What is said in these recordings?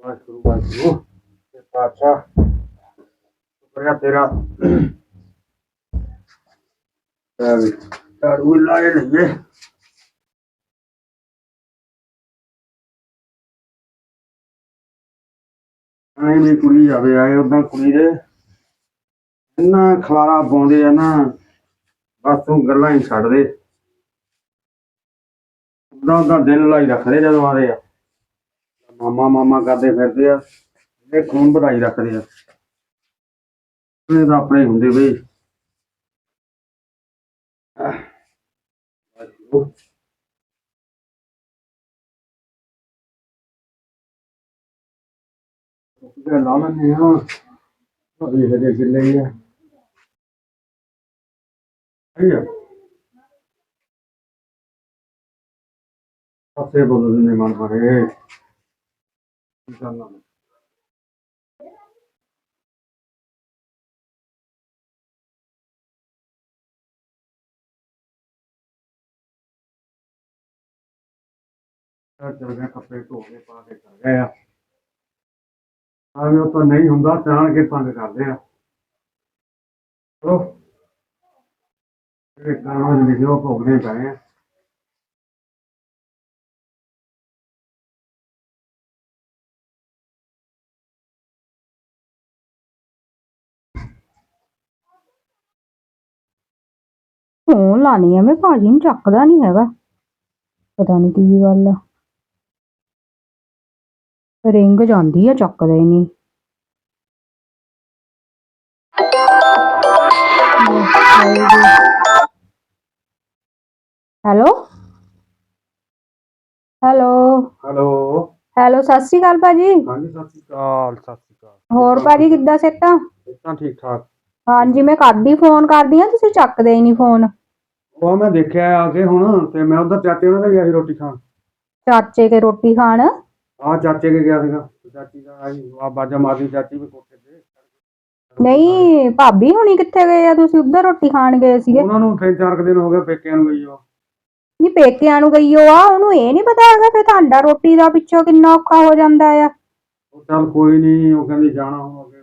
ਵਾਹਿਗੁਰੂ ਵਾਹਿਗੁਰੂ ਤੇ ਪਾਤਸ਼ਾਹ ਸ਼ੁਕਰੀਆ ਤੇਰਾ। ਝਾੜੂ ਲਾਏ ਲਈਏ। ਐਂ ਵੀ ਕੁੜੀ ਜਾਵੇ ਆਏ ਉਦਾਂ ਕੁੜੀ ਦੇ ਇੰਨਾ ਖਲਾਰਾ ਪਾਉਂਦੇ ਆ ਨਾ, ਬਸ ਤੂੰ ਗੱਲਾਂ ਹੀ ਛੱਡ ਦੇ। ਉਦਾਂ ਦਿਨ ਲਾਈ ਰੱਖਦੇ ਜਦੋਂ ਆਦੇ ਆ, ਮਾਮਾ ਮਾਮਾ ਕਰਦੇ ਫਿਰਦੇ ਆ, ਇਹ ਖੂਨ ਵਧਾਈ ਰੱਖਦੇ ਆ। ਇਹ ਤਾਂ ਆਪਣੇ ਹੁੰਦੇ ਬਈ। ਲਾ ਲੈਂਦੇ ਆ ਹਜੇ ਕਿੱਲੇ ਹੀ ਆ। ਪਾਸੇ ਬੋਲਦੇ ਨੇ ਮਨ ਮਾਰੇ ਕੀ ਕਰਨਾ। ਚਲ ਗਿਆ ਕੱਪੜੇ ਧੋ ਕੇ ਪਾ ਕੇ ਚਲ ਗਏ ਆ। ਉਹ ਤਾਂ ਨਹੀਂ ਹੁੰਦਾ, ਜਾਣ ਕੇ ਤੰਗ ਕਰਦੇ ਆ। ਚਲੋ ਜਿਹੜੇ ਗਾਣਾ ਲਿਖੇ ਉਹ ਭੋਗਣੇ ਪਏ ਆ। ਫੋਨ ਲਾਣੀ ਆ ਮੈਂ, ਭਾਜੀ ਨੂੰ ਚੱਕਦਾ ਨਹੀਂ ਹੈਗਾ, ਪਤਾ ਨਹੀਂ ਕੀ ਗੱਲ ਆ। ਰਿੰਗ ਜਾਂਦੀ ਆ, ਚੱਕਦਾ ਹੀ ਨਹੀਂ। ਹੈਲੋ ਹੈਲੋ ਹੈਲੋ ਹੈਲੋ, ਸਤਿ ਸ਼੍ਰੀ ਅਕਾਲ ਭਾਜੀ। ਹਾਂਜੀ ਸਤਿ ਸ਼੍ਰੀ ਅਕਾਲ। ਸਤਿ ਸ਼੍ਰੀ ਅਕਾਲ। ਹੋਰ ਭਾਜੀ ਕਿੱਦਾਂ ਸਿਹਤਾਂ? ਸਿਹਤਾਂ ਠੀਕ ਠਾਕ। ਹਾਂਜੀ ਮੈਂ ਕਰਦੀ ਫੋਨ ਕਰਦੀ ਆ, ਤੁਸੀਂ ਚੱਕਦੇ ਹੀ ਨਹੀਂ ਫੋਨ। ਉਹ ਮੈਂ ਦੇਖਿਆ ਆ ਕੇ ਹੁਣ, ਤੇ ਮੈਂ ਉਧਰ ਚਾਚੇ ਉਹਨਾਂ ਦੇ ਗਿਆ ਸੀ ਰੋਟੀ ਖਾਣ। ਚਾਚੇ ਕੇ ਰੋਟੀ ਖਾਣ? ਆਹ ਚਾਚੇ ਕੇ ਗਿਆ ਸੀਗਾ, ਚਾਚੀ ਦਾ ਆਈ ਬਾਜਾ ਮਾਰਦੀ ਚਾਚੀ ਵੀ ਕੋਠੇ ਤੇ। ਨਹੀਂ ਭਾਬੀ ਹੁਣੀ ਕਿੱਥੇ ਗਏ ਆ? ਤੁਸੀਂ ਉੱਧਰ ਰੋਟੀ ਖਾਣ ਗਏ ਸੀਗੇ। ਉਹਨਾਂ ਨੂੰ 3-4 ਦਿਨ ਹੋ ਗਏ ਪੇਕਿਆਂ ਨੂੰ ਗਈ ਉਹ। ਨਹੀਂ ਪੇਕਿਆਂ ਨੂੰ ਗਈ ਉਹ ਆ, ਉਹਨੂੰ ਇਹ ਨਹੀਂ ਪਤਾ ਹੈਗਾ ਫਿਰ ਤੁਹਾਡਾ ਰੋਟੀ ਦਾ ਪਿੱਛੋਂ ਕਿੰਨਾ ਔਖਾ ਹੋ ਜਾਂਦਾ ਆ। ਉਹ ਚੱਲ ਕੋਈ ਨਹੀਂ, ਉਹ ਕਹਿੰਦੀ ਜਾਣਾ ਹੁਣ ਅੱਗੇ।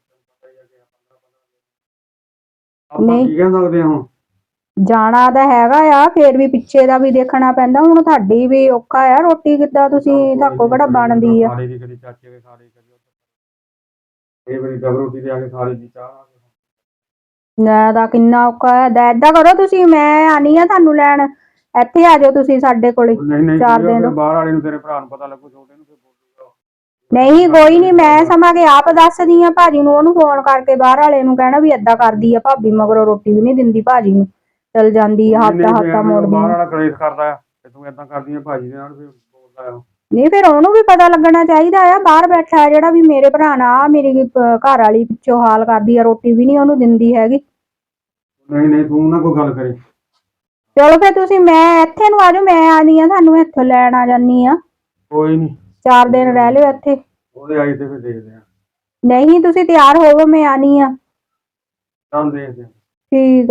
ਆਪਾਂ ਕੀ ਕਹਿ ਸਕਦੇ ਹੁਣ। ਜਾਣਾ ਤਾਂ ਹੈਗਾ ਆ, ਫੇਰ ਵੀ ਪਿੱਛੇ ਦਾ ਵੀ ਦੇਖਣਾ ਪੈਂਦਾ। ਹੁਣ ਤੁਹਾਡੀ ਵੀ ਔਖਾ ਆ, ਰੋਟੀ ਕਿੱਦਾਂ ਤੁਸੀਂ ਤੁਹਾਕੋ ਕਿਹੜਾ ਬਣਦੀ ਆ। ਖਾਲੀ ਦੀ ਕਦੀ ਚਾਚੇ ਕੇ ਖਾ ਲਈ, ਕਦੀ ਇਹ ਵਾਰੀ ਡਬਲ ਰੋਟੀ ਤੇ ਆ ਕੇ ਖਾ ਲਈ ਦੀ ਚਾਹ। ਨਾ ਦਾ ਕਿੰਨਾ ਔਖਾ ਹੈ। ਏਦਾਂ ਕਰੋ ਤੁਸੀਂ, ਮੈਂ ਆਣੀ ਆ ਤੁਹਾਨੂੰ ਲੈਣ, ਇੱਥੇ ਆ ਜਾਓ ਤੁਸੀਂ ਸਾਡੇ ਕੋਲੇ। ਨਹੀਂ 4 ਦਿਨ ਬਾਹਰ ਵਾਲੇ ਨੂੰ, ਤੇਰੇ ਭਰਾ ਨੂੰ ਪਤਾ ਲੱਗੂ, ਛੋਟੇ ਨੂੰ ਫਿਰ ਬੋਲੂਗਾ। ਨਹੀਂ ਕੋਈ ਨਹੀਂ, ਮੈਂ ਸਮਾਂ ਕੇ ਆਪ ਦੱਸਦੀ ਆ ਭਾਜੀ ਨੂੰ, ਉਹਨੂੰ ਫੋਨ ਕਰਕੇ ਬਾਹਰ ਵਾਲੇ ਨੂੰ ਕਹਿਣਾ ਵੀ ਏਦਾਂ ਕਰਦੀ ਆ ਭਾਬੀ, ਮਗਰੋਂ ਰੋਟੀ ਵੀ ਨਹੀਂ ਦਿੰਦੀ ਭਾਜੀ ਨੂੰ, ਚਲ ਜਾਂਦੀ ਆ ਹੱਥਾ ਮੋੜਦੀ। ਬਾਹਰ ਵਾਲਾ ਕਲੇਸ਼ ਕਰਦਾ ਆ ਤੇ ਤੂੰ ਏਦਾਂ ਕਰਦੀ ਆ ਭਾਜੀ ਦੇ ਨਾਲ, ਫਿਰ ਬੋਲਦਾ ਆ। ਨਹੀਂ ਫਿਰ ਉਹਨੂੰ ਵੀ ਪਤਾ ਲੱਗਣਾ ਚਾਹੀਦਾ ਆ, ਬਾਹਰ ਬੈਠਾ ਹੈ ਜਿਹੜਾ ਵੀ ਮੇਰੇ ਭਰਾ ਨਾਲ ਮੇਰੀ ਘਰ ਵਾਲੀ ਪਿੱਛੋਂ ਹਾਲ ਕਰਦੀ ਆ, ਰੋਟੀ ਵੀ ਨਹੀਂ ਉਹਨੂੰ ਦਿੰਦੀ ਹੈਗੀ। ਨਹੀਂ ਤੂੰ ਨਾ ਕੋਈ ਗੱਲ ਕਰੀ। ਚਲੋ ਫਿਰ ਤੁਸੀਂ, ਮੈਂ ਇੱਥੇ ਨੂੰ ਆ ਜਾਓ, ਮੈਂ ਆਨੀ ਆ ਤੁਹਾਨੂੰ ਇੱਥੋਂ ਲੈਣ ਆ ਜਾਨੀ ਆ। ਕੋਈ ਨਹੀਂ 4 ਦਿਨ ਰਹਿ ਲਿਓ ਇੱਥੇ। ਉਹਦੇ ਆਈ ਤੇ ਫਿਰ ਦੇਖਦੇ ਆ। ਨਹੀਂ ਤੁਸੀਂ ਤਿਆਰ ਹੋਵੋ, ਮੈਂ ਆਨੀ ਆ। ਚੱਲ ਦੇਖਦੇ ਆ। ਠੀਕ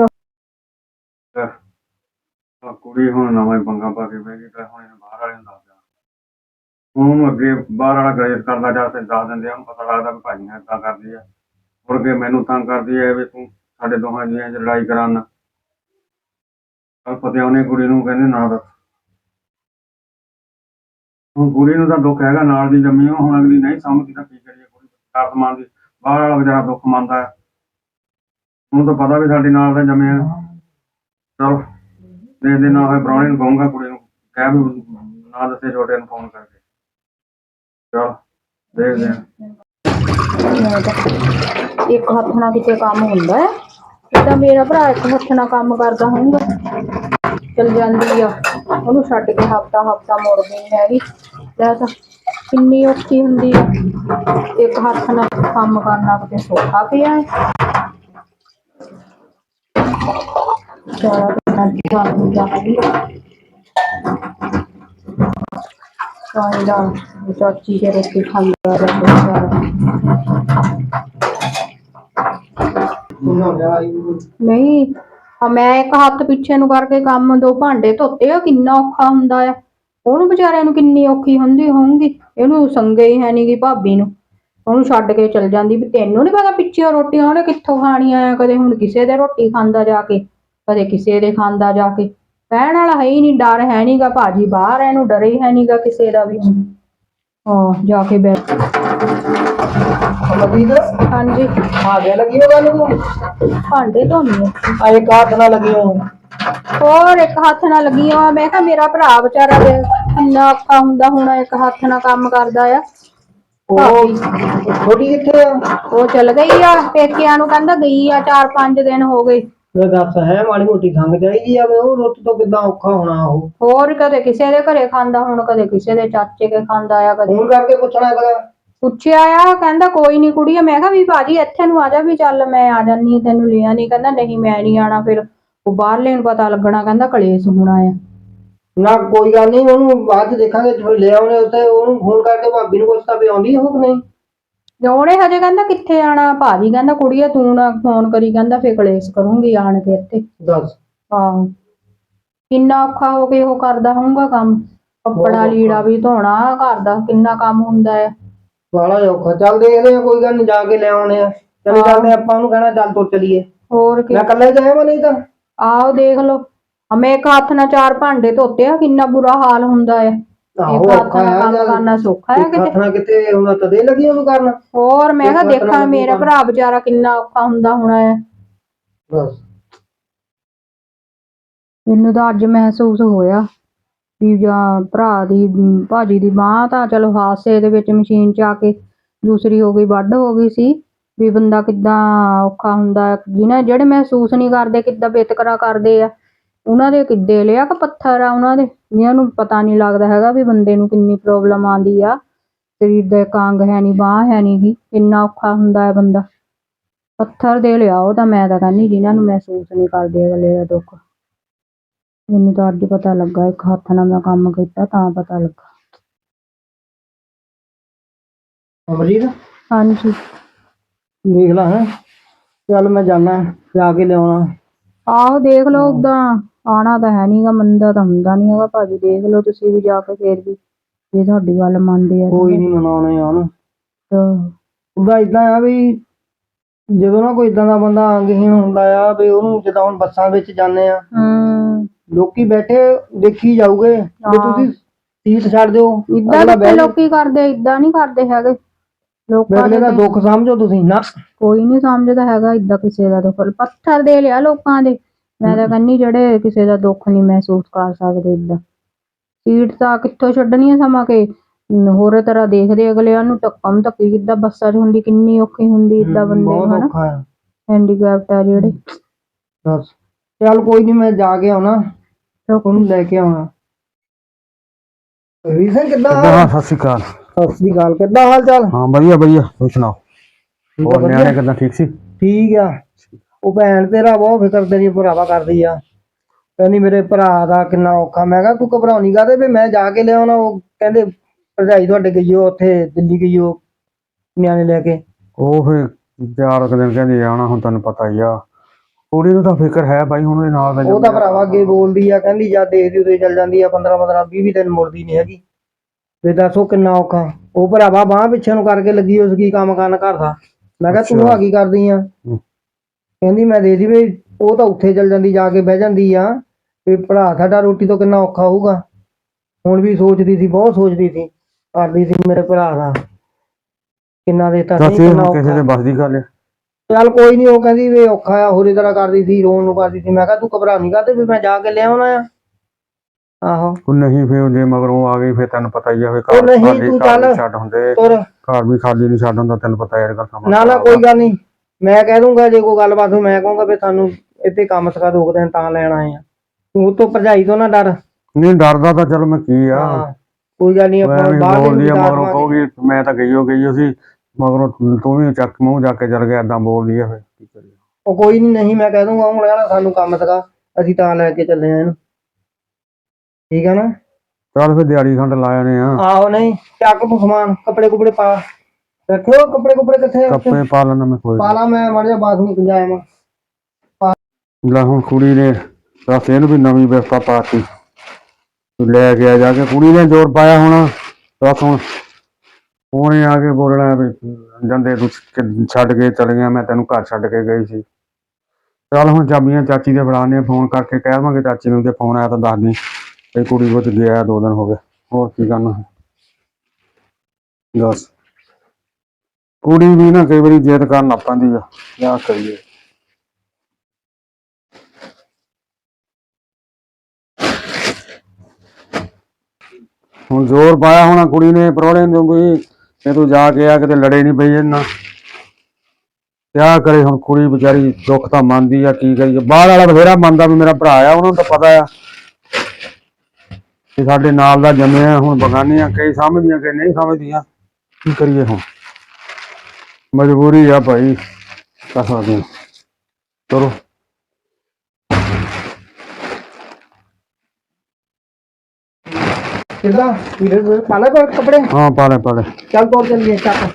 ਆ ਕੁੜੀ ਹੁਣ ਨਵਾਂ ਪੰਗਾ ਪਾ ਕੇ ਬਹਿ ਗਈ, ਹੁਣ ਇਹਨੇ ਬਾਹਰ ਵਾਲੇ ਨੂੰ ਦੱਸ ਦੇਣਾ। ਉਹਨੂੰ ਅੱਗੇ ਬਾਹਰ ਵਾਲਾ ਗ੍ਰੇਡ ਕਰਦਾ ਜਾ ਤੇ ਦੱਸ ਦਿੰਦੇ ਆ, ਉਹਨੂੰ ਪਤਾ ਲੱਗਦਾ ਵੀ ਭਾਜੀ ਨੇ ਏਦਾਂ ਕਰਦੀ ਆ। ਮੁੜ ਕੇ ਮੈਨੂੰ ਤੰਗ ਕਰਦੀ ਹੈ ਵੀ ਤੂੰ ਸਾਡੇ ਦੋਹਾਂ ਜੀਆਂ 'ਚ ਲੜਾਈ ਕਰਾਉਣਾ। ਪਤਾ ਉਹਨੇ ਕੁੜੀ ਨੂੰ ਕਹਿੰਦੇ ਨਾ ਦੱਸ। ਹੁਣ ਕੁੜੀ ਨੂੰ ਤਾਂ ਦੁੱਖ ਹੈਗਾ, ਨਾਲ ਦੀ ਜੰਮੀ ਉਹ, ਹੁਣ ਅਗਲੀ ਨਹੀਂ ਸਮਝਦੀ ਤਾਂ ਕੀ ਕਰੀਏ। ਕੁੜੀ ਆਤਮਾਨ ਦੀ, ਬਾਹਰ ਵਾਲਾ ਵਿਚਾਰਾ ਦੁੱਖ ਮੰਨਦਾ ਹੈ, ਉਹਨੂੰ ਤਾਂ ਪਤਾ ਵੀ ਸਾਡੇ ਨਾਲ ਦਾ ਜੰਮਿਆ। ਚਲੋ ਦੇਖਦੇ, ਨਾ ਹੋਏ ਪ੍ਰਾਹੁਣੇ ਨੂੰ ਕਹੂੰਗਾ, ਕੁੜੀ ਨੂੰ ਕਹਿ ਵੀ ਨਾ ਦੱਸੇ ਛੋਟੇ ਨੂੰ ਫੋਨ ਕਰਕੇ। ਚਲ ਦੇਖਦੇ ਆ। ਇੱਕ ਹੱਥ ਨਾਲ ਕਿਤੇ ਕੰਮ ਹੁੰਦਾ ਹੈ, ਜਿੱਦਾਂ ਮੇਰਾ ਭਰਾ ਇੱਕ ਹੱਥ ਨਾਲ ਕੰਮ ਕਰਦਾ ਹੋਊਗਾ। ਚਲ ਜਾਂਦੀ ਆ, ਉਹਨੂੰ ਛੱਡ ਕੇ ਹਫਤਾ ਮੁੜਦੀ ਨਹੀਂ ਹੈਗੀ। ਤਾਂ ਕਿੰਨੀ ਔਖੀ ਹੁੰਦੀ ਆ, ਇੱਕ ਹੱਥ ਨਾਲ ਕੰਮ ਕਰਨਾ ਕਿਤੇ ਸੌਖਾ ਪਿਆ ਹੈ। ਚਾਚੀ ਕੇ ਰੋਟੀ ਖਾਂਦਾ ਨਹੀਂ, ਮੈਂ ਇੱਕ ਹੱਥ ਪਿੱਛੇ ਨੂੰ ਕਰਕੇ ਕੰਮ, 2 ਭਾਂਡੇ ਧੋਤੇ ਆ, ਕਿੰਨਾ ਔਖਾ ਹੁੰਦਾ ਆ। ਉਹਨੂੰ ਵਿਚਾਰਿਆਂ ਨੂੰ ਕਿੰਨੀ ਔਖੀ ਹੁੰਦੀ ਹੋਊਗੀ, ਇਹਨੂੰ ਸੰਗੇ ਹੀ ਹੈ ਨੀ ਗੀ ਭਾਬੀ ਨੂੰ, ਉਹਨੂੰ ਛੱਡ ਕੇ ਚਲ ਜਾਂਦੀ। ਵੀ ਤੈਨੂੰ ਨੀ ਪਤਾ ਪਿੱਛੇ ਰੋਟੀਆਂ ਉਹਨੇ ਕਿੱਥੋਂ ਖਾਣੀਆਂ ਆ, ਕਦੇ ਹੁਣ ਕਿਸੇ ਦੇ ਰੋਟੀ ਖਾਂਦਾ ਜਾ ਕੇ, ਕਦੇ ਕਿਸੇ ਦੇ ਖਾਂਦਾ ਜਾ ਕੇ। ਕਹਿਣ ਵਾਲਾ ਹੈ ਹੀ ਨਹੀਂ, ਡਰ ਹੈ ਨੀ ਗਾ, ਭਾਜੀ ਬਾਹਰ ਹੈ, ਇਹਨੂੰ ਡਰ ਹੀ ਹੈ ਨੀ ਗਾ ਕਿਸੇ ਦਾ ਵੀ। ਜਾ ਕੇ ਬੈਠ। ਹਾਂਜੀ ਆਗੇ ਲੱਗੀ ਹੋ ਗੱਲ ਨੂੰ ਭਾਂਡੇ ਧੋਣੀ ਆ। ਆਏ ਕਾਟ ਨਾ ਲੱਗੀ ਹੋ ਹੋਰ ਇੱਕ ਹੱਥ ਨਾਲ ਲੱਗੀ ਆ। ਮੈਂ ਕਿਹਾ ਮੇਰਾ ਭਰਾ ਵਿਚਾਰਾ ਦੇ ਕਿੰਨਾ ਔਖਾ ਹੁੰਦਾ ਹੁਣ, ਇੱਕ ਹੱਥ ਨਾਲ ਕੰਮ ਕਰਦਾ ਆ। ਉਹ ਛੋਟੀ ਕਿੱਥੇ ਆ? ਉਹ ਚਲ ਗਈ ਆ ਪੇਕਿਆਂ ਨੂੰ, ਕਹਿੰਦਾ ਗਈ ਆ 4-5 ਦਿਨ ਹੋ ਗਏ। ਮੈਂ ਦੱਸ ਹੈ ਮਾੜੀ ਮੋਟੀ ਖੰਗ ਚਾਹੀਦੀ ਆ, ਉਹ ਰੁੱਤ ਤੋਂ ਕਿੱਦਾਂ ਔਖਾ ਹੋਣਾ ਉਹ। ਹੋਰ ਕਦੇ ਕਿਸੇ ਦੇ ਘਰੇ ਖਾਂਦਾ, ਹੁਣ ਕਦੇ ਕਿਸੇ ਦੇ ਚਾਚੇ ਕੇ ਖਾਂਦਾ ਆ, ਕਦੇ ਫੋਨ ਕਰਕੇ ਪੁੱਛਣਾ ਕਰਾ। ਪੁੱਛਿਆ ਆ, ਕਹਿੰਦਾ ਕੋਈ ਨੀ ਕੁੜੀਏ। ਮੈਂ ਕਿਹਾ ਵੀ ਭਾਜੀ ਇੱਥੇ ਨੂੰ ਆ ਜਾ, ਵੀ ਚੱਲ ਮੈਂ ਆ ਜਾਨੀ ਤੈਨੂੰ ਲਿਆ ਨੀ। ਕਹਿੰਦਾ ਨਹੀਂ ਮੈਂ ਨੀ ਆਣਾ, ਫਿਰ ਉਹ ਬਾਹਰਲੇ ਨੂੰ ਪਤਾ ਲੱਗਣਾ, ਕਹਿੰਦਾ ਕਲੇਸ਼ ਹੋਣਾ ਆ। ਨਾ ਕੋਈ ਗੱਲ ਨਹੀਂ, ਉਹਨੂੰ ਬਾਅਦ ਚ ਦੇਖਾਂਗੇ, ਲੈ ਆਉਣੇ ਉੱਥੇ। ਉਹਨੂੰ ਫੋਨ ਕਰਕੇ ਭਾਬੀ ਨੂੰ ਪੁੱਛਦਾ ਵੀ ਆਉਂਦੀ ਉਹ ਕਿ ਨਹੀਂ। ਉਹਨੇ ਹਜੇ ਕਹਿੰਦਾ ਕਿੱਥੇ ਆਣਾ, ਭਾਜੀ ਕਹਿੰਦਾ ਕੁੜੀਏ ਤੂੰ ਨਾ ਫੋਨ ਕਰੀ, ਕਹਿੰਦਾ ਫਿਰ ਕਲੇਸ਼ ਕਰੂੰਗੀ ਆਣ ਕੇ ਇੱਥੇ। ਦੱਸ ਆਹੋ ਕਿੰਨਾ ਔਖਾ ਹੋ ਕੇ ਉਹ ਕਰਦਾ ਹੋਊਗਾ ਕੰਮ, ਕੱਪੜਾ ਲੀੜਾ ਵੀ ਧੋਣਾ, ਘਰ ਦਾ ਕਿੰਨਾ ਕੰਮ ਹੁੰਦਾ ਆ। ਬਾਲਾ ਔਖਾ। ਚੱਲ ਦੇਖਦੇ ਆ, ਕੋਈ ਗੱਲ ਨੀ, ਜਾ ਕੇ ਲੈ ਆਉਣੇ ਆ। ਚਲੇ ਜਾਂਦੇ ਆਪਾਂ, ਉਹਨੂੰ ਕਹਿਣਾ ਚੱਲ ਤੁਰ ਚਲੀਏ। ਹੋਰ ਕੀ, ਮੈਂ ਇਕੱਲਾ ਹੀ ਜਾਇਆ ਨਹੀਂ ਤਾਂ। ਆਹੋ ਦੇਖ ਲੋ, ਮੈਂ ਇੱਕ ਹੱਥ ਨਾਲ 4 ਭਾਂਡੇ ਧੋਤੇ ਆ, ਕਿੰਨਾ ਬੁਰਾ ਹਾਲ ਹੁੰਦਾ ਆ। ਇੱਕ ਹੱਥ ਨਾਲ ਕੰਮ ਕਰਨਾ ਸੌਖਾ ਹੈ ਕਿਤੇ? ਹੱਥ ਨਾਲ ਕਿਤੇ ਉਹਨਾਂ ਤਦੇ ਲੱਗੀ ਉਹਨੂੰ ਕਰਨ। ਹੋਰ ਮੈਂ ਕਿਹਾ ਦੇਖਾਂ ਮੇਰਾ ਭਰਾ ਵਿਚਾਰਾ ਕਿੰਨਾ ਔਖਾ ਹੁੰਦਾ ਹੋਣਾ ਹੈ। ਬਸ ਮੈਨੂੰ ਤਾਂ ਅੱਜ ਮਹਿਸੂਸ ਹੋਇਆ ਵੀ ਜਾਂ ਭਰਾ ਦੀ ਭਾਜੀ ਦੀ ਬਾਂਹ ਤਾਂ ਚਲੋ ਹਾਦਸੇ ਦੇ ਵਿੱਚ ਮਸ਼ੀਨ ਚ ਆ ਕੇ ਦੂਸਰੀ ਹੋ ਗਈ, ਵੱਢ ਹੋ ਗਈ ਸੀ। ਵੀ ਬੰਦਾ ਕਿੱਦਾਂ ਔਖਾ ਹੁੰਦਾ, ਜਿਹਨਾਂ ਜਿਹੜੇ ਮਹਿਸੂਸ ਨਹੀਂ ਕਰਦੇ ਕਿੱਦਾਂ ਵਿਤਕਰਾ ਕਰਦੇ ਆ, ਉਹਨਾਂ ਦੇ ਕਿੱਡੇ ਲਿਆ ਕਿ ਪੱਥਰ ਆ ਉਹਨਾਂ ਦੇ, ਜਿਹਨਾਂ ਨੂੰ ਪਤਾ ਨਹੀਂ ਲੱਗਦਾ ਹੈਗਾ ਵੀ ਬੰਦੇ ਨੂੰ ਕਿੰਨੀ ਪ੍ਰੋਬਲਮ ਆਉਂਦੀ ਆ। ਸਰੀਰ ਦਾ ਇੱਕ ਅੰਗ ਹੈ ਨੀ, ਬਾਂਹ ਹੈ ਨੀ ਗੀ, ਕਿੰਨਾ ਔਖਾ ਹੁੰਦਾ ਹੈ ਬੰਦਾ। ਪੱਥਰ ਦੇ ਲਿਆ ਉਹ ਤਾਂ, ਮੈਂ ਤਾਂ ਕਹਿੰਦੀ ਜਿਹਨਾਂ ਨੂੰ ਮਹਿਸੂਸ ਨਹੀਂ ਕਰਦੇ ਅਗਲੇ ਦਾ ਦੁੱਖ। ਮੈਨੂੰ ਤਾਂ ਅੱਜ ਪਤਾ ਲੱਗਾ, ਇੱਕ ਹੱਥ ਨਾਲ ਮੈਂ ਕੰਮ ਕੀਤਾ ਤਾਂ ਪਤਾ ਲੱਗਾ। ਅਮਰੀਤ ਹਾਂਜੀ ਦੇਖ ਲਾ ਹੈ, ਚੱਲ ਮੈਂ ਜਾਣਾ, ਜਾ ਕੇ ਲਿਆਉਣਾ। ਆਹੋ ਦੇਖ ਲਓ, ਓਦਾਂ ਆਉਣਾ ਤਾਂ ਹੈ ਨੀ ਗਾ, ਮੰਨਦਾ ਤਾਂ ਹੁੰਦਾ ਨੀ ਹੈਗਾ ਭਾਜੀ। ਦੇਖ ਲਓ ਤੁਸੀਂ ਵੀ ਜਾ ਕੇ, ਫੇਰ ਵੀ ਜੇ ਤੁਹਾਡੀ ਗੱਲ ਮੰਨਦੇ ਆ। ਕੋਈ ਨੀ ਮਨਾਉਣੇ ਆ ਉਹਨੂੰ। ਤਾਂ ਉਹਦਾ ਏਦਾਂ ਆ ਵੀ ਜਦੋਂ ਨਾ ਕੋਈ ਏਦਾਂ ਦਾ ਬੰਦਾ ਅੰਗਹੀਣ ਹੁੰਦਾ ਆ, ਵੀ ਉਹਨੂੰ ਜਿੱਦਾਂ ਹੁਣ ਬੱਸਾਂ ਵਿੱਚ ਜਾਂਦੇ ਆ, ਲੋਕੀ ਬੈਠੇ ਦੇਖੀ ਜਾਊਗੇ ਵੀ ਤੁਸੀਂ ਸੀਟ ਛੱਡ ਦਿਓ। ਇਦਾਂ ਕਿੱਥੇ ਲੋਕੀ ਕਰਦੇ, ਇਦਾਂ ਨਹੀਂ ਕਰਦੇ ਹੈਗੇ ਲੋਕਾਂ ਅਗਲੇ ਦਾ ਦੁੱਖ ਸਮਝੋ ਤੁਸੀਂ ਨਾ। ਕੋਈ ਨੀ ਸਮਝਦਾ ਹੈਗਾ ਇਦਾਂ ਕਿਸੇ ਦਾ ਦੁੱਖ। ਪੱਥਰ ਦੇ ਲਿਆ ਲੋਕਾਂ ਦੇ, ਮੈਂ ਤਾਂ ਕਹਿੰਨੀ ਜਿਹੜੇ ਕਿਸੇ ਦਾ ਦੁੱਖ ਨਹੀਂ ਮਹਿਸੂਸ ਕਰ ਸਕਦੇ। ਇਦਾਂ ਸੀਟ ਤਾਂ ਕਿੱਥੋਂ ਛੱਡਣੀ ਆ, ਸਮਾਂ ਕੇ ਹੋਰ ਤਰ੍ਹਾਂ ਦੇਖਦੇ ਅਗਲਿਆਂ ਨੂੰ। ਧੱਕਮ ਧੱਕੀ ਕਿੱਦਾਂ ਬੱਸਾਂ 'ਚ ਹੁੰਦੀ, ਕਿੰਨੀ ਔਖੀ ਹੁੰਦੀ ਇਦਾਂ ਬੰਦੇ ਨੂੰ, ਹਨਾ ਹੈਂਡੀਕੈਪਟ ਆ ਜਿਹੜੇ। ਬਸ ਚੱਲ ਕੋਈ ਨੀ, ਮੈਂ ਜਾ ਕੇ ਆਉਣਾ, ਉਹਨੂੰ ਲੈ ਕੇ ਆਉਣਾ। ਰੀਸਨ ਕਿੱਦਾਂ? ਸਤਿ ਸ਼੍ਰੀ ਅਕਾਲ। ਸਤਿ ਸ੍ਰੀ ਅਕਾਲ, ਕਿੱਦਾਂ ਹਾਲ ਚਾਲ? ਹਾਂ ਵਧੀਆ ਵਧੀਆ, ਤੂੰ ਸੁਣਾਓ? ਹੋਰ ਨਿਆਣੇ ਕਿੱਦਾਂ, ਠੀਕ ਸੀ? ਠੀਕ ਆ। ਉਹ ਭੈਣ ਤੇਰਾ ਬਹੁਤ ਫਿਕਰ ਤੇਰੀ ਭਰਾਵਾ ਕਰਦੀ ਆ, ਕਹਿੰਦੀ ਮੇਰੇ ਭਰਾ ਦਾ ਕਿੰਨਾ ਔਖਾ। ਮੈਂ ਕਿਹਾ ਤੂੰ ਘਬਰਾਉਣੀ ਕਾਹਦੇ, ਵੀ ਮੈਂ ਜਾ ਕੇ ਲਿਆਉਣਾ। ਉਹ ਕਹਿੰਦੇ ਭਰਜਾਈ ਤੁਹਾਡੇ ਗਈ ਉਹ ਉੱਥੇ ਦਿੱਲੀ ਗਈ, ਉਹ ਨਿਆਣੇ ਲੈ ਕੇ। ਉਹ ਫਿਰ 4 ਦਿਨ ਕਹਿੰਦੀ ਆਉਣਾ, ਹੁਣ ਤੈਨੂੰ ਪਤਾ ਹੀ ਆ। ਕੁੜੀ ਨੂੰ ਤਾਂ ਫਿਕਰ ਹੈ ਬਾਈ, ਹੁਣ ਉਹਦੇ ਨਾਲ ਦਾ। ਉਹ ਤਾਂ ਭਰਾਵਾ ਅੱਗੇ ਬੋਲਦੀ ਆ, ਕਹਿੰਦੀ ਜਾਂ ਦੇਖਦੀ ਉਦੋਂ ਚੱਲ ਜਾਂਦੀ ਆ, 15-20 ਦਿਨ ਮੁੜਦੀ ਨੀ ਹੈਗੀ। ਤੇ ਦੱਸੋ ਕਿੰਨਾ ਔਖਾ। ਉਹ ਭਰਾਵਾ ਬਾਂਹ ਪਿੱਛੇ ਨੂੰ ਕਰਕੇ ਲੱਗੀ ਉਸ ਕੀ ਕੰਮ ਕਰਨ ਘਰ ਦਾ। ਮੈਂ ਕਿਹਾ ਤੂੰ ਆ ਕੀ ਕਰਦੀ ਆ? ਕਹਿੰਦੀ ਮੈਂ ਦੇ ਦੀ ਵੀ, ਉਹ ਤਾਂ ਉੱਥੇ ਚੱਲ ਜਾਂਦੀ, ਜਾ ਕੇ ਬਹਿ ਜਾਂਦੀ ਆ, ਵੀ ਭਰਾ ਸਾਡਾ ਰੋਟੀ ਤੋਂ ਕਿੰਨਾ ਔਖਾ ਹੋਊਗਾ। ਹੁਣ ਵੀ ਸੋਚਦੀ ਸੀ, ਬਹੁਤ ਸੋਚਦੀ ਸੀ, ਕਰਦੀ ਸੀ ਮੇਰੇ ਭਰਾ ਦਾ ਕਿੰਨਾ ਦੇਤਾ ਸੀ, ਕਿੰਨਾ ਔਖਾ। ਬਸ ਦੀ ਗੱਲ ਹੈ। ਚੱਲ ਕੋਈ ਨੀ, ਉਹ ਕਹਿੰਦੀ ਵੀ ਔਖਾ ਆ, ਹੋਰੇ ਤਰ੍ਹਾਂ ਕਰਦੀ ਸੀ, ਰੋਣ ਨੂੰ ਕਰਦੀ ਸੀ। ਮੈਂ ਕਿਹਾ ਤੂੰ ਘਬਰਾ ਨੀ ਕਰਦੇ, ਵੀ ਮੈਂ ਜਾ ਕੇ ਲਿਆਉਣਾ ਆ। ਆਹੋ ਨਹੀਂ, ਫਿਰ ਜੇ ਮਗਰੋਂ ਆ ਗਈ ਫਿਰ ਤੈਨੂੰ ਪਤਾ ਹੀ ਆ, ਫਿਰ ਘਰ ਛੱਡ ਹੁੰਦੇ, ਘਰ ਵੀ ਖਾਲੀ ਨੀ ਛੱਡ ਹੁੰਦਾ, ਤੈਨੂੰ ਪਤਾ ਯਾਰ ਗੱਲ। ਨਾ ਕੋਈ ਗੱਲ ਨੀ, ਮੈਂ ਕਹਿ ਦੂੰਗਾ ਜੇ ਕੋਈ ਗੱਲਬਾਤ ਹੋ, ਮੈਂ ਕਹੂੰਗਾ ਵੀ ਸਾਨੂੰ ਇੱਥੇ ਕੰਮ ਸਿਖਾ 2 ਦਿਨ ਤਾਂ ਲੈਣ ਆਏ ਆ। ਤੂੰ ਤੋਂ ਭਰਜਾਈ ਤੋਂ ਨਾ ਡਰ। ਨਹੀਂ ਡਰਦਾ ਤਾਂ ਚਲੋ ਮੈਂ ਕੀ ਆ, ਕੋਈ ਗੱਲ ਨੀ, ਆਪਾਂ ਬੋਲਦੀ ਆ ਮਗਰੋਂ ਕਹੂਗੀ ਮੈਂ ਤਾਂ ਗਈ ਸੀ, ਮਗਰੋਂ ਤੂੰ ਵੀ ਚੱਕ ਮੂੰਹ ਜਾ ਕੇ ਚਲ ਗਿਆ, ਏਦਾਂ ਬੋਲਦੀ ਆ, ਫਿਰ ਕੀ ਕਰੀਏ। ਉਹ ਕੋਈ ਨੀ, ਨਹੀਂ ਮੈਂ ਕਹਿ ਦੂੰਗਾ, ਹੁਣ ਕਹਿਣਾ ਸਾਨੂੰ ਕੰਮ ਸਿਖਾ, ਅਸੀਂ ਤਾਂ ਲੈ ਕੇ ਚੱਲੇ ਆ ਇਹਨੂੰ, ਠੀਕ ਆ ਨਾ। ਚੱਲ ਫਿਰ ਦਿਹਾੜੀ ਖੰਡ ਲਾ ਆਨੇ ਆ। ਆਹੋ ਨਹੀਂ ਚੱਕ ਤੂੰ ਸਮਾਨ, ਕੱਪੜੇ ਕੁਪੜੇ ਪਾ ਰੱਖਿਓ। ਕੱਪੜੇ ਕਿੱਥੇ? ਕੱਪੜੇ ਪਾ ਲੈਣਾ ਮੈਂ, ਕੋਈ ਪਾ ਲਾ, ਮੈਂ ਮਾੜਾ ਜਿਹਾ ਬਾਥਰੂਮ ਜਾਇਆ ਮੈਂ। ਲੈ ਹੁਣ ਕੁੜੀ ਨੇ ਦੱਸ ਇਹਨੂੰ ਵੀ ਨਵੀਂ ਵਿਵਸਥਾ ਪਾਤੀ। ਤੂੰ ਲੈ ਕੇ ਆ ਜਾ ਕੇ। ਕੁੜੀ ਨੇ ਜ਼ੋਰ ਪਾਇਆ ਹੋਣਾ, ਬਸ ਹੁਣ ਉਹਨੇ ਆ ਕੇ ਬੋਲਣਾ ਵੀ ਜਾਂਦੇ ਤੂੰ ਛੱਡ ਕੇ ਚਲ ਗਿਆ, ਮੈਂ ਤੈਨੂੰ ਘਰ ਛੱਡ ਕੇ ਗਈ ਸੀ। ਚੱਲ ਹੁਣ ਚਾਬੀਆਂ ਚਾਚੀ ਦੇ ਫੜਾਣੇ, ਫੋਨ ਕਰਕੇ ਕਹਿ ਦੇਵਾਂਗੇ ਚਾਚੀ ਨੂੰ, ਜੇ ਫੋਨ ਆਇਆ ਤਾਂ ਦੱਸ ਦੀ ਇਹ ਕੁੜੀ ਕੁਝ ਗਿਆ 2 ਦਿਨ ਹੋ ਗਏ। ਹੋਰ ਕੀ ਕਰਨਾ ਦੱਸ। ਕੁੜੀ ਵੀ ਨਾ ਕਈ ਵਾਰੀ ਜਿੱਦ ਕਰਨ ਲੱਗ ਪੈਂਦੀ ਆ, ਕਿਆ ਕਰੀਏ। ਹੁਣ ਜ਼ੋਰ ਪਾਇਆ ਹੋਣਾ ਕੁੜੀ ਨੇ ਪ੍ਰਾਹੁਣੇ ਨੂੰ ਵੀ ਤੇ ਤੂੰ ਜਾ ਕੇ ਆ ਕਿਤੇ ਲੜੇ ਨਹੀਂ ਪਈ ਇਹਨਾਂ। ਕਿਆ ਕਰੇ ਹੁਣ ਕੁੜੀ ਵਿਚਾਰੀ, ਦੁੱਖ ਤਾਂ ਮੰਨਦੀ ਆ, ਕੀ ਕਰੀਏ। ਬਾਹਰ ਵਾਲਾ ਬਥੇਰਾ ਮੰਨਦਾ ਵੀ ਮੇਰਾ ਭਰਾ ਆ, ਉਹਨਾਂ ਨੂੰ ਤਾਂ ਪਤਾ ਆ ਕਿ ਸਾਡੇ ਨਾਲ ਦਾ ਜੰਮਿਆ। ਹੁਣ ਬਗਾਨੀਆਂ ਕਈ ਸਮਝਦੀਆਂ ਕਿ ਨਹੀਂ ਸਮਝਦੀਆਂ, ਕੀ ਕਰੀਏ ਹੁਣ। ਮਜਬੂਰੀ ਆ ਭਾਈ, ਕਰ ਸਕਦੇ ਹਾਂ। ਚਲੋ ਕਿੱਦਾਂ ਵੀਰੇ ਪਾਲਾ ਕੋਲ ਕੱਪੜੇ? ਹਾਂ ਪਾ ਲੈ ਚੱਲ ਤੋਰ ਚੱਲੀਏ ਚੱਕ।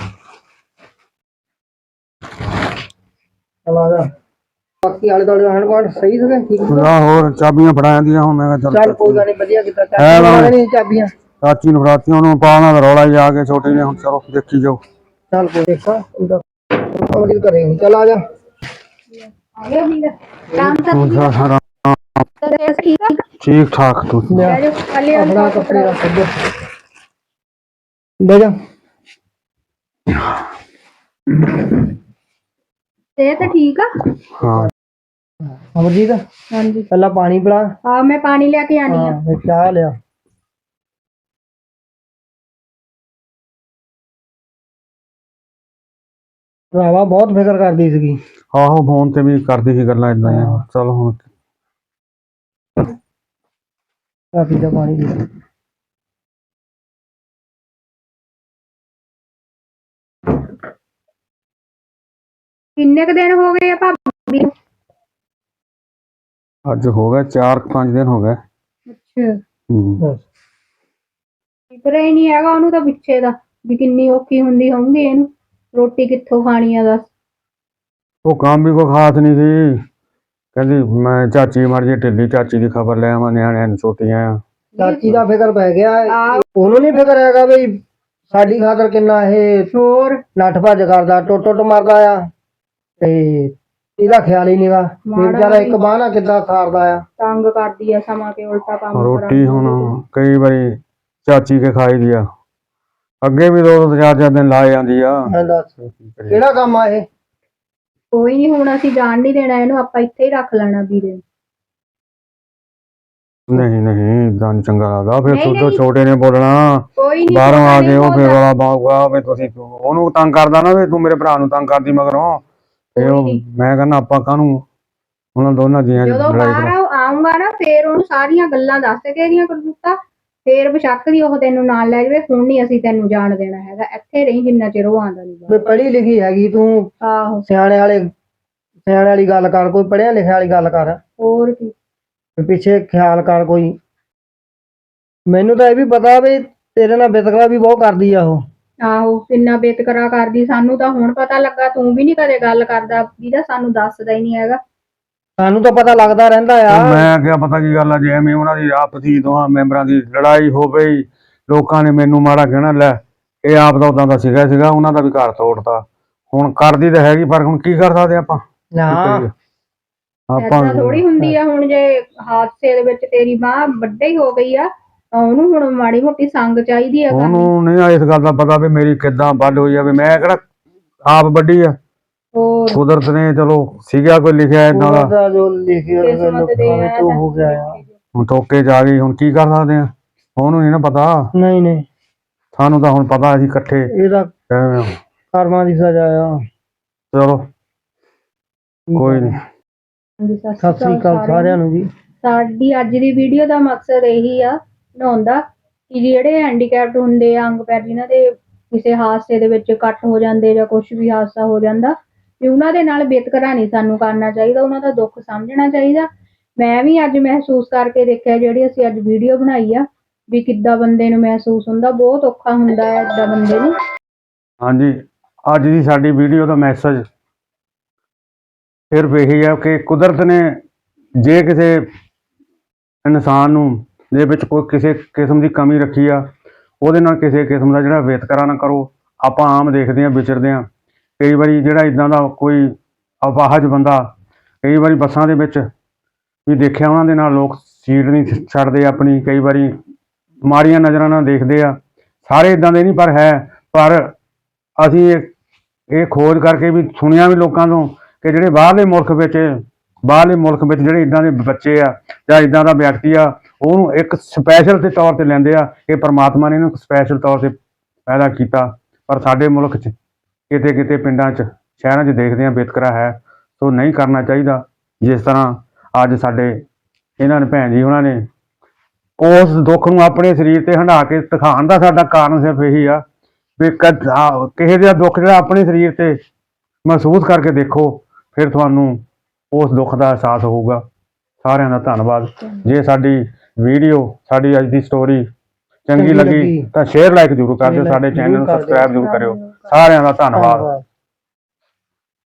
ਚਲ ਆ ਜਾ। ਬਾਕੀ ਆਲੇ ਦੁਆਲੇ ਆਂਢ ਗੁਆਂਢ ਸਹੀ ਸੀਗੇ, ਠੀਕ ਸੀ? ਆ ਹੋਰ ਚਾਬੀਆਂ ਫੜਾ ਜਾਂਦੀਆਂ ਹੁਣ। ਮੈਂ ਕਿਹਾ ਚੱਲ ਕੋਈ ਗੱਲ ਨਹੀਂ, ਵਧੀਆ ਕੀਤਾ। ਹੈ ਵਾ। ਨਹੀਂ ਚਾਬੀਆਂ ਚਾਚੀ ਨੂੰ ਫੜਾਤੀਆਂ, ਉਹਨੂੰ ਪਾਣਾ ਰੌਲਾ ਹੀ ਆ ਕੇ ਛੋਟੀ ਨੇ। ਹੁਣ ਚਲੋ ਦੇਖੀ ਜਾਓ। ਚੱਲ ਕੋਈ ਦੇਖਾ ਉਹਦਾ ਕੰਮ ਕਰੇ। ਚੱਲ ਆ ਜਾ। ਆ ਗਿਆ ਵੀਰ, ਕੰਮ ਤਾਂ ਠੀਕ ਆ? ਠੀਕ ਠਾਕ ਤੂੰ ਲੈ ਜਾਓ, ਕੱਲੇ ਆਪਣਾ ਕੱਪੜੇ ਰੱਖ ਦੇ। ਲੈ ਜਾ। ਸਿਹਤ ਠੀਕ ਆ? ਹਾਂ। ਅਮਰਜੀਤ ਹਾਂਜੀ। ਪਹਿਲਾਂ ਪਾਣੀ ਪਿਲਾ। ਹਾਂ ਮੈਂ ਪਾਣੀ ਲੈ ਕੇ ਆਣੀ ਆ। ਫਿਰ ਚਾਹ ਲਿਆ। ਭਰਾਵਾ ਬਹੁਤ ਫਿਕਰ ਕਰਦੀ ਸੀਗੀ। ਆਹੋ ਫੋਨ ਤੇ ਵੀ ਕਰਦੀ ਸੀ ਗੱਲਾਂ ਏਦਾਂ ਹੀ। ਚਲ ਹੁਣ ਕਾਫੀ ਦਾ ਪਾਣੀ ਪੀ। ਕਿੰਨੇ ਕੁ ਦਿਨ ਹੋ ਗਏ ਆ ਭਾਬੀ ਨੂੰ? ਅੱਜ ਹੋ ਗਏ 4-5 ਦਿਨ ਹੋ ਗਏ। ਅੱਛਾ। ਹੂੰ। ਫਿਕਰ ਹੀ ਨਹੀਂ ਹੈਗਾ ਉਹਨੂੰ ਤਾਂ ਪਿੱਛੇ ਦਾ, ਵੀ ਕਿੰਨੀ ਔਖੀ ਹੁੰਦੀ ਹੋਊਗੀ ਇਹਨੂੰ, ਰੋਟੀ ਕਿੱਥੋਂ ਖਾਣੀ ਆ ਦੱਸ। ਉਹ ਕੰਮ ਵੀ ਕੋਈ ਖਾਸ ਨਹੀਂ ਸੀ। ਕਹਿੰਦੀ ਮੈਂ ਚਾਚੀ ਮਰ ਜੇ ਢਿੱਲੀ, ਚਾਚੀ ਦੀ ਖਬਰ ਲੈ ਆਵਾਂ, ਨਿਆਣਿਆਂ ਨੂੰ ਛੋਟੀਆਂ ਆ। ਚਾਚੀ ਦਾ ਫਿਕਰ ਪੈ ਗਿਆ। ਉਹਨੂੰ ਨਹੀਂ ਫਿਕਰ ਹੈਗਾ ਬਈ ਸਾਡੀ ਖਾਤਰ ਕਿੰਨਾ ਇਹ ਹੋਰ ਨੱਠ ਭੱਜ ਕਰਦਾ, ਟੁੱਟ ਮਾਰਦਾ ਆ, ਤੇ ਇਹਦਾ ਖਿਆਲ ਹੀ ਨਹੀਂਗਾ। ਵਿਚਾਰਾ ਇੱਕ ਬਾਂਹ ਨਾਲ ਕਿੱਦਾਂ ਸਾਰਦਾ ਆ। ਤੰਗ ਕਰਦੀ ਆ ਸਮਾਂ ਕੇ ਉਲਟਾ ਕੰਮ ਰੋਟੀ ਹੁਣ ਕਈ ਵਾਰੀ ਚਾਚੀ ਕੇ ਖਾਈ ਦੀ ਆ, ਅੱਗੇ ਵੀ 2-4 ਦਿਨ ਲਾ ਜਾਂਦੀ ਆ। ਦੱਸ ਕਿਹੜਾ ਕੰਮ ਆ ਇਹ? ਕੋਈ ਨਹੀਂ, ਹੁਣ ਅਸੀਂ ਜਾਣ ਨਹੀਂ ਦੇਣਾ ਇਹਨੂੰ, ਆਪਾਂ ਇੱਥੇ ਹੀ ਰੱਖ ਲੈਣਾ ਵੀਰੇ। ਨਹੀਂ ਏਦਾਂ ਨੀ ਚੰਗਾ ਲੱਗਦਾ। ਫਿਰ ਨਹੀਂ, ਤੂੰ ਛੋਟੇ ਨੇ ਬੋਲਣਾ, ਕੋਈ ਨਹੀਂ ਬਾਹਰੋਂ ਆ ਕੇ ਉਹ ਫਿਰ ਵਾਲਾ ਬਾਊਗਾ ਵੀ ਤੁਸੀਂ ਉਹਨੂੰ ਤੰਗ ਕਰਦਾ ਨਾ, ਵੀ ਤੂੰ ਮੇਰੇ ਭਰਾ ਨੂੰ ਤੰਗ ਕਰਦੀ ਮਗਰੋਂ। ਤੇ ਉਹ ਮੈਂ ਕਹਿੰਦਾ ਆਪਾਂ ਕਾਹਨੂੰ ਉਹਨਾਂ ਦੋਨਾਂ ਜੀਆਂ ਜਦੋਂ ਬਾਹਰ ਆਉਂਗਾ ਨਾ ਫੇਰ ਉਹਨੂੰ ਸਾਰੀਆਂ ਗੱਲਾਂ ਦੱਸ ਕੇ ਇਹਦੀਆਂ ਕਰਤੂਤਾਂ, ਫੇਰ ਬਸ਼ੱਕ ਦੀ ਉਹ ਤੈਨੂੰ ਨਾਲ ਲੈ ਜਾਵੇ। ਹੁਣ ਨਹੀਂ ਅਸੀਂ ਤੈਨੂੰ ਜਾਣ ਦੇਣਾ ਹੈਗਾ, ਇੱਥੇ ਰਹੀ ਜਿੰਨਾ ਚਿਰ ਉਹ ਆਉਂਦਾ ਨਹੀਂ। ਪੜ੍ਹੀ ਲਿਖੀ ਹੈਗੀ ਤੂੰ, ਆਹੋ ਸਿਆਣੇ ਵਾਲੀ ਗੱਲ ਕਰ, ਕੋਈ ਪੜ੍ਹਿਆ ਲਿਖਿਆ ਵਾਲੀ ਗੱਲ ਕਰ। ਹੋਰ ਕੀ ਪਿੱਛੇ ਖਿਆਲ ਕਰ ਕੋਈ। ਮੈਨੂੰ ਤਾਂ ਇਹ ਵੀ ਪਤਾ ਵੀ ਤੇਰੇ ਨਾਲ ਵਿਤਕਰਾ ਵੀ ਬਹੁਤ ਕਰਦੀ ਆ ਉਹ। ਆਹੋ ਕਿੰਨਾ ਬੇਤਕਰਾ ਕਰਦੀ, ਸਾਨੂੰ ਤਾਂ ਹੁਣ ਪਤਾ ਲੱਗਾ। ਤੂੰ ਵੀ ਨੀ ਕਦੇ ਗੱਲ ਕਰਦਾ ਵੀਰਾ, ਸਾਨੂੰ ਦੱਸਦਾ ਹੀ ਨਹੀਂ ਹੈਗਾ। ਸਾਨੂੰ ਤਾਂ ਪਤਾ ਲੱਗਦਾ ਰਹਿੰਦਾ ਆ। ਮੈਂ ਕਿਹਾ ਪਤਾ ਕੀ ਗੱਲ ਆ, ਜੇ ਐਵੇਂ ਉਹਨਾਂ ਦੀ ਆਪਸੀ ਦੋਹਾਂ ਮੈਂਬਰਾਂ ਦੀ ਲੜਾਈ ਹੋ ਗਈ, ਲੋਕਾਂ ਨੇ ਮੈਨੂੰ ਮਾੜਾ ਕਹਿਣਾ, ਲੈ ਇਹ ਆਪ ਦਾ ਉਦਾਂ ਦਾ ਸੀਗਾ ਉਹਨਾਂ ਦਾ ਵੀ ਘਰ ਤੋੜਤਾ। ਹੁਣ ਕਰਦੀ ਤਾਂ ਹੈਗੀ, ਪਰ ਹੁਣ ਕੀ ਕਰ ਸਕਦੇ ਆਪਾਂ। ਆਪਾਂ ਥੋੜੀ ਹੁੰਦੀ ਆ। ਹੁਣ ਜੇ ਹਾਦਸੇ ਦੇ ਵਿੱਚ ਤੇਰੀ ਮਾਂ ਵੱਡੇ ਹੀ ਹੋ ਗਈ ਆ, ਤਾਂ ਉਹਨੂੰ ਹੁਣ ਮਾੜੀ ਮੋਟੀ ਸੰਗ ਚਾਹੀਦੀ ਆ। ਉਹਨੂੰ ਨਹੀਂ ਇਸ ਗੱਲ ਦਾ ਪਤਾ ਵੀ ਮੇਰੀ ਕਿੱਦਾਂ ਵੱਢ ਹੋਈ ਆ, ਵੀ ਮੈਂ ਕਿਹੜਾ ਆਪ ਵੱਡੀ ਆ। ਕੁਦਰਤ ਨੇ ਚਲੋ ਸੀਗਾ ਕੋਈ ਲਿਖਿਆ ਏਦਾਂ ਦਾ, ਜੋ ਲਿਖਿਆ ਹੋ ਗਿਆ ਆ। ਹੁਣ ਠੋਕੇ ਚ ਆ ਗਈ, ਹੁਣ ਕੀ ਕਰ ਸਕਦੇ ਆ। ਉਹਨੂੰ ਨਹੀਂ ਨਾ ਪਤਾ। ਨਹੀਂ ਸਾਨੂੰ ਤਾਂ ਹੁਣ ਪਤਾ, ਅਸੀਂ ਇਕੱਠੇ ਇਹਦਾ ਕਰਮਾਂ ਦੀ ਸਜ਼ਾ ਆ। ਚਲੋ ਕੋਈ ਨਹੀਂ। ਸਤਿ ਸ੍ਰੀ ਅਕਾਲ ਸਾਰਿਆਂ ਨੂੰ ਜੀ। ਸਾਡੀ ਅੱਜ ਦੀ ਵੀਡੀਓ ਦਾ ਮਕਸਦ ਇਹੀ ਆ ਬਣਾਉਣ ਦਾ, ਕਿ ਜਿਹੜੇ ਹੈਂਡੀਕੈਪਟ ਹੁੰਦੇ ਆ, ਅੰਗ ਪੈਰ ਜਿਨ੍ਹਾਂ ਦੇ ਕਿਸੇ ਹਾਦਸੇ ਦੇ ਵਿੱਚ ਕੱਟ ਹੋ ਜਾਂਦੇ ਜਾਂ ਕੁਝ ਵੀ ਹਾਦਸਾ ਹੋ ਜਾਂਦਾ, ਵੀ ਉਹਨਾਂ ਦੇ ਨਾਲ ਵਿਤਕਰਾ ਨਹੀਂ ਸਾਨੂੰ ਕਰਨਾ ਚਾਹੀਦਾ, ਉਹਨਾਂ ਦਾ ਦੁੱਖ ਸਮਝਣਾ ਚਾਹੀਦਾ। ਮੈਂ ਵੀ ਅੱਜ ਮਹਿਸੂਸ ਕਰਕੇ ਦੇਖਿਆ, ਜਿਹੜੀ ਅਸੀਂ ਅੱਜ ਵੀਡੀਓ ਬਣਾਈ ਆ, ਵੀ ਕਿੱਦਾਂ ਬੰਦੇ ਨੂੰ ਮਹਿਸੂਸ ਹੁੰਦਾ। ਬਹੁਤ ਔਖਾ ਹੁੰਦਾ ਹੈ ਏਦਾਂ ਬੰਦੇ ਨੂੰ। ਹਾਂਜੀ, ਅੱਜ ਦੀ ਸਾਡੀ ਵੀਡੀਓ ਦਾ ਮੈਸੇਜ ਸਿਰਫ ਇਹੀ ਹੈ ਕਿ ਕੁਦਰਤ ਨੇ ਜੇ ਕਿਸੇ ਇਨਸਾਨ ਨੂੰ ਦੇ ਵਿੱਚ ਕੋਈ ਕਿਸੇ ਕਿਸਮ ਦੀ ਕਮੀ ਰੱਖੀ ਆ, ਉਹਦੇ ਨਾਲ ਕਿਸੇ ਕਿਸਮ ਦਾ ਜਿਹੜਾ ਵਿਤਕਰਾ ਨਾ ਕਰੋ। ਆਪਾਂ ਆਮ ਦੇਖਦੇ ਹਾਂ, ਵਿਚਰਦੇ ਹਾਂ, ਕਈ ਵਾਰੀ ਜਿਹੜਾ ਇਦਾਂ ਦਾ ਕੋਈ ਅਪਾਹਜ ਬੰਦਾ, ਕਈ ਵਾਰੀ ਬੱਸਾਂ ਦੇ ਵਿੱਚ ਵੀ ਦੇਖਿਆ ਉਹਨਾਂ ਦੇ ਨਾਲ ਲੋਕ ਸੀਟ ਨਹੀਂ ਛੱਡਦੇ ਆਪਣੀ, ਕਈ ਵਾਰੀ ਮਾੜੀਆਂ ਨਜ਼ਰਾਂ ਨਾਲ ਦੇਖਦੇ ਆ। ਸਾਰੇ ਇਦਾਂ ਦੇ ਨਹੀਂ ਪਰ ਅਸੀਂ ਇਹ ਖੋਜ ਕਰਕੇ ਵੀ ਸੁਣਿਆ ਵੀ ਲੋਕਾਂ ਤੋਂ ਕਿ ਜਿਹੜੇ ਬਾਹਰਲੇ ਮੁਲਕ ਵਿੱਚ ਜਿਹੜੇ ਇਦਾਂ ਦੇ ਬੱਚੇ ਆ ਜਾਂ ਇਦਾਂ ਦਾ ਵਿਅਕਤੀ ਆ, ਉਹਨੂੰ ਇੱਕ ਸਪੈਸ਼ਲ ਦੇ ਤੌਰ ਤੇ ਲੈਂਦੇ ਆ ਕਿ ਪ੍ਰਮਾਤਮਾ ਨੇ ਇਹਨੂੰ ਸਪੈਸ਼ਲ ਤੌਰ ਤੇ ਪੈਦਾ ਕੀਤਾ। ਪਰ ਸਾਡੇ ਮੁਲਕ 'ਚ ਕਿਤੇ ਕਿਤੇ ਪਿੰਡਾਂ 'ਚ ਸ਼ਹਿਰਾਂ 'ਚ ਦੇਖਦੇ ਆ ਵਿਤਕਰਾ ਹੈ, ਸੋ ਨਹੀਂ ਕਰਨਾ ਚਾਹੀਦਾ। ਜਿਸ ਤਰ੍ਹਾਂ ਅੱਜ ਸਾਡੇ ਇਹਨਾਂ ਨੇ ਭੈਣ ਜੀ ਉਹਨਾਂ ਨੇ ਉਸ ਦੁੱਖ ਨੂੰ ਆਪਣੇ ਸਰੀਰ ਤੇ ਹੰਢਾ ਕੇ ਦਿਖਾਉਣ ਦਾ ਸਾਡਾ ਕਾਰਨ ਸਿਰਫ ਇਹੀ ਆ ਵੀ ਕਿਸੇ ਦਾ ਦੁੱਖ ਜਿਹੜਾ ਆਪਣੇ ਸਰੀਰ ਤੇ ਮਹਿਸੂਸ ਕਰਕੇ ਦੇਖੋ, ਫਿਰ ਤੁਹਾਨੂੰ ਉਸ ਦੁੱਖ ਦਾ ਅਹਿਸਾਸ ਹੋਊਗਾ। ਸਾਰਿਆਂ ਦਾ ਧੰਨਵਾਦ। ਜੇ ਸਾਡੀ ਵੀਡੀਓ, ਸਾਡੀ ਅੱਜ ਦੀ ਸਟੋਰੀ ਚੰਗੀ ਲੱਗੀ ਤਾਂ ਸ਼ੇਅਰ ਲਾਈਕ ਜ਼ਰੂਰ ਕਰ ਦਿਓ, ਸਾਡੇ ਚੈਨਲ ਨੂੰ ਸਬਸਕ੍ਰਾਈਬ ਜ਼ਰੂਰ ਕਰਿਓ। ਸਾਰਿਆਂ ਦਾ ਧੰਨਵਾਦ।